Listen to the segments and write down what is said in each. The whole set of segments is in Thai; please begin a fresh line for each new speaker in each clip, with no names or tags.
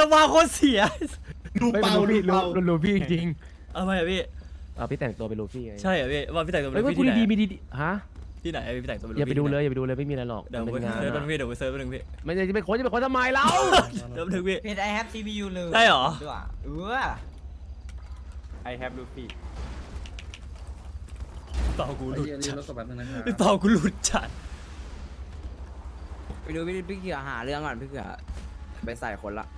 มาโคตรเสีย
ลูเปาลูเปา
ลูฟี่จริง
เอาไหมอะพี่
พี่แต่งตัวเป็นลูฟี่ไง
ใช่เหรอพี่ว่าพี่แต่งตัวเป็
เฮ้ย
น
ว่า
พี่
พูด
ที่ไหน
ดีๆมีดีฮะ
ที่ไหนพี่แต่งตัวเป็น
อย่าไปดูเลยอย่าไปดูเลยไม่มีอะไรหรอก
เดี๋ยว
มัน
ไป
เป็นงาน
เซิร์ช
อะ
พี่เดี๋ยวไปเซิร์ชนึงพี่
ไม่จะไปค้นจะไปค้นทำไมเรา
เดี๋ยวนึงพี่
เพจ I have CPU เลย
ได้เหรอ
ด้วย
I have Luffy
เป่ากูหลุด
เรีย
จั
น
ด
รถสบัดนึงนะครับ
พี่เป่ากูหลุดจัด
ไปดูพี่เขือหาเรื่องก่อนพี่เขือไปใส่คนละ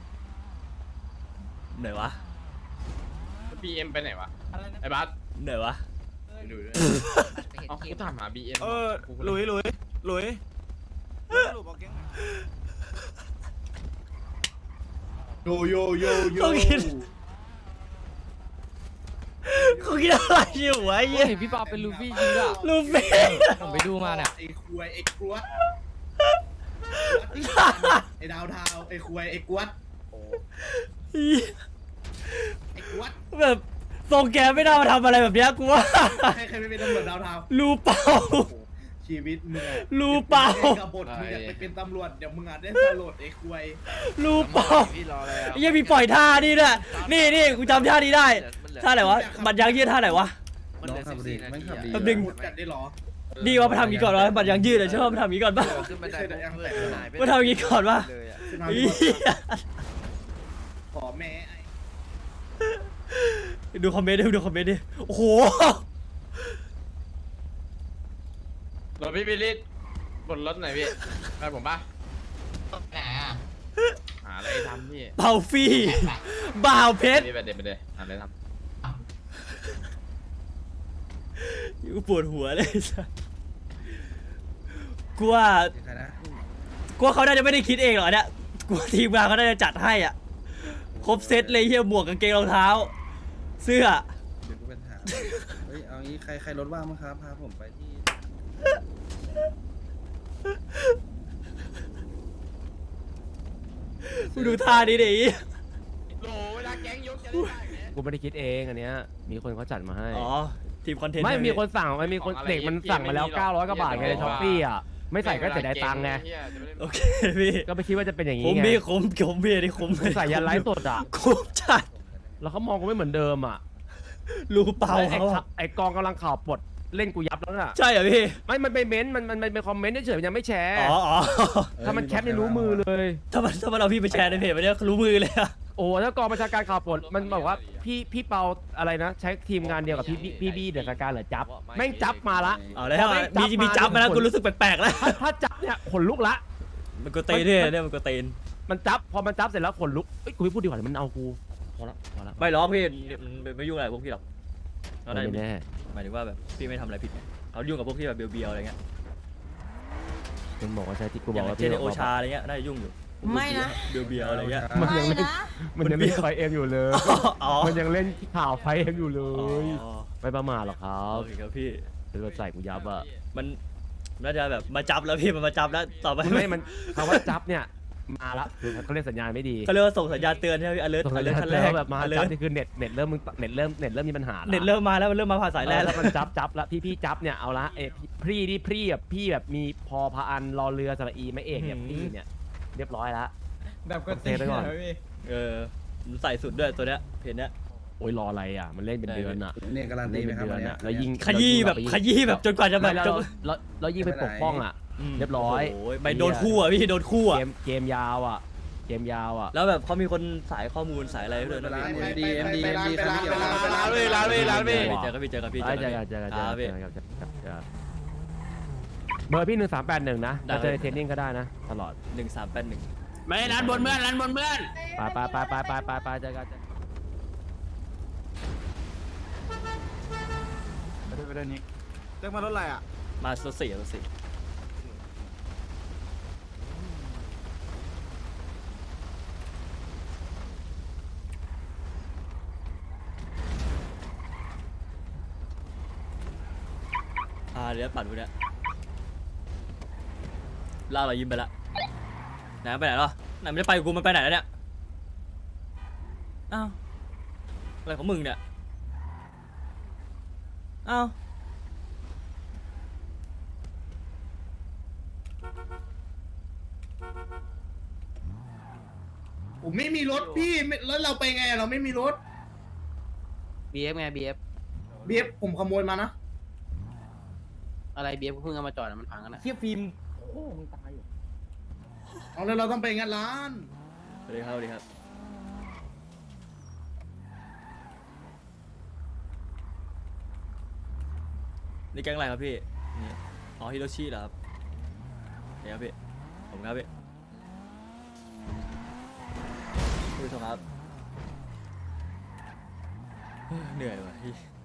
ไหนวะ
BM ไปไหนวะไอ้บัส
ไหนวะ
ไปดูด้วยเอากูถามหา BM
หลุยสรุปเอาแก๊งไหน
โยโยโยโย
เขาคิดอะไรอยู่วะไอ้เหี้ย
เห็นพี่ปาเป็นลูฟี่จริงอ่ะ
ลูฟี่
ผมไปดูมาเนี่ย
ไอ้ควยไอ้กวดไอ้ดาวเทาไอ้ควยไอ้กวดไอ้กวด
แบบทรงแกไม่น่ามาทำอะไรแบบเนี้ยกูว่า
ใครไม่เป็นตำรวจดาวเทา
ลูเป่า
ชีวิตมึง
ลูเป่า
กับบทมึงอยากไปเป็นตำรวจเดี๋ยวมึงอาจได้สลดไอ้ควย
ลูเป่า
พี่รอแล้ว
ไอ้เหี้ยังมีปล่อยท่านี่ด้วยนี่กูจำท่านี้ได้ท่าไหนวะบัตรยางยืดท่าไหนวะ
มันเหลือ14 นาที
แป๊บนึง
จัดได้หรอ
ดีว่ามาทำอย่างนี้ก่อนวะบัตรยางยืดอะชอบมาทำอย่างนี้ก่อนป่ะ
ขึ้นบันไดเพื่อนหายไป
มาทำอย่างนี้ก่อนป่ะ
เลยอะ
ขึ้นมา
เหี้ย
ขอแม่ไอ้
ดูคอมเมนต์ดิดูคอมเมนต์ดิโอ้โห
รถพี่บิลลี่บนรถไหนพี่ไปผมป่ะ
ไหนอ่ะ
หาอะไรทำพี่
เป่าฟรีบ่าวเพชร
นี่ไปเด็ดไปเลยหาอะไรท
กูปวดหัวเลยสัสกูว่า
ใครนะ
กูว่าเขาน่าจะไม่ได้คิดเองหรอกเนี่ยกูว่าทีมงานเขาน่าจะจัดให้อ่ะครบเซตเลยเฮียหมวกกางเกงรองเท้า เสื้อ
เดี๋ยวกูเป็นถามเฮ้ยเอางี้ใครรถว่างมั้งครับพาผมไปที่
กูดูท่านี้ดิ
ำโหเวลาแก๊งยกจะได้ไหม
กูไม่ได้คิดเองอันเนี้ยมีคนเขาจัดมาให้
อ๋อทีมคอนเทนต์
ไม่
ใช่ห
มีคนสั่งมันมีคนเด็กมันสั่งมาแล้ว900กว่าบาทไงในช้อปปี้อ่ะไม่ใส่ก็เสียดายตังค์ไง
โอเคพี่
ก็ไม่คิดว่าจะเป็นอย่าง
คุ้
นี้
ม
ไง
พี่คุ้มพี่นี่คุ้ม
ใส่ยันไลฟ์สดอ่ะ
คุ้มจัด
แล้วเขามองกูไม่เหมือนเดิมอ่ะ
รู้เปล่า
ไอ้
เขาอะ
ไอ้กองกำลังข่าวปลดเล่นกูยับแล้วน่ะ
ใช่เหรอพี่
ไม่มันไปเม้นต์มันเป็นคอมเมนต์เฉยๆมันยังไม่แชร์
อ๋อ
ถ้ามันแคปเนี่ยรู้มือเลย
ถ้ามันเอาพี่ไปแชร์ในเพจมันเนี่ยรู้มือเลยอะ
โอ้ถ้ากองบัญชาการข่าวปลดมันบอกว่าพี่เปาอะไรนะ ใช้ทีมงานเดียวกับพี่บี้เดอะสกาเหรอจับแม่งจับมาละ
เอาแล้วมีจับมาแล้วกูรู้สึกแปลกๆแล้ว
ถ้าจับเนี่ยขนลุกละ
มันก็เตนเนี่ยมันก็เตน
มันจับพอมันจับเสร็จแล้วขนลุกเอ้ยกูไม่พูดดีกว่าเดี๋ยวมันเอากูพอละ
ไม่หรอกพี่ไม่ยุ่งอะไรพวกพี่หรอก
ไม่แน่
หมายถึงว่าแบบพี่ไม่ทำอะไรผิดเขายุ่งกับพวกที่แบบเบียวๆอะไรเงี้ย
มันบอกว่าใช่ที่กู
อบ
อย่าง กว่า
เช่นโอชาอะไรเงี้ยน่าจะยุ่งอยู่
ไม่นะ
เบียวๆอะไรเงี้ย
มันยังเล่นมันยังเล่นไฟเอ็มอยู่เลย
อ๋อ
มันยังเล่นข่าวไฟเอ็มอยู่เล
อ๋อย
ไม่ประมาทหรอกครับ
โอเคครับพี่
เป็นรถใส่กูยับอะ
มันน่าจะแบบมาจับแล้วพี่มันมาจับแล้วต่อไป
ไม่มันคำว่าจับเนี่ยมาละคือเขาเล่นสัญญาณไม่ดี
เขาเรียกว่าส่งสัญญาณเตือนใช่ไหมพี่ alert
ส่งสัญ
alert
ญาณ
ขั้น
แร
แร
ก
ก
แบบมา
alert
จับนี่คือเน็ตเริ่มมีปัญหาละ
เน็ตเริ่มมาแล้วมันเริ่มมาผ่านสายแลน
แล้วมันจับแล้วพี่จับเนี่ยเอาละพี่แบบมีพอพาอันรอเรือสระอีไม่เอกเนี่ยพี่เนี่ยเรียบร้อยละ
แบบก็
เซฟไว้ก่อน
มันใส่สุดด้วยตัวเนี้ยเพจเนี้ย
โอ้ยรออะไรอ่ะมันเล่นเป็นเดือนอ่ะ
เนี่ยการันตีไหมครับวันเนี้ย
แล้วยิง
ขยี้แบบจนกว่าจะแบ
ไม่
บ
แล้วยิงไปปกป้องอ่ะ เรียบร้อย
โอ้ยไปโดนคู่อ่ะพี่โดนคู่อ่ะ
เกมยาวอ่ะ
แล้วแบบเขามีคนสายข้อมูลสายอะไรด้วยนะ
ร้าน
พี่
MD ใครไม่เกี่ยว
ร้านเว้ยร้านเว้ยร้านเว้ย
เจอกันพี่
เจอ
ค
กัน
พี่
เบอร์พี่1381นะถ้าเจอเทรนนิ่งก็ได้นะตลอด
1381
ไม่ร้านบนเมื่อนร้านบนเมื่อน
ไปเจอกัน
ไปเดินนี้เรียกมารถอะไรอ่ะ
มาสสี่ เดี๋ยวปั่นพวกเนี้ยล่าเรายิ้มไปละไหนไปไหนหรอไหนไม่ได้ไปกับกูมันไปไหนแล้วเนี่ยอ้าวอะไรของมึงเนี่ยอ้าว
ผมไม่มีรถพี่แล้วเราไปไงเราไม่มีรถ
BF ไง BF
เบียบผมขโมยมานะ
อะไร BF เพิ่งเอามาจอดมันพังกันนะ
เทียฟิล์มโอ้มึงตายอยู่
เอาแล้วเราต้องไปงานร้าน
สวัสดีครับสวัสดีครับนี่แก๊งอะไรครับพี่นี่อ๋อฮิโรชิเหรอครับเดี๋ยวครับพี่ผมครับพี่ผู้ชมครับเหนื่อยว่ะพี่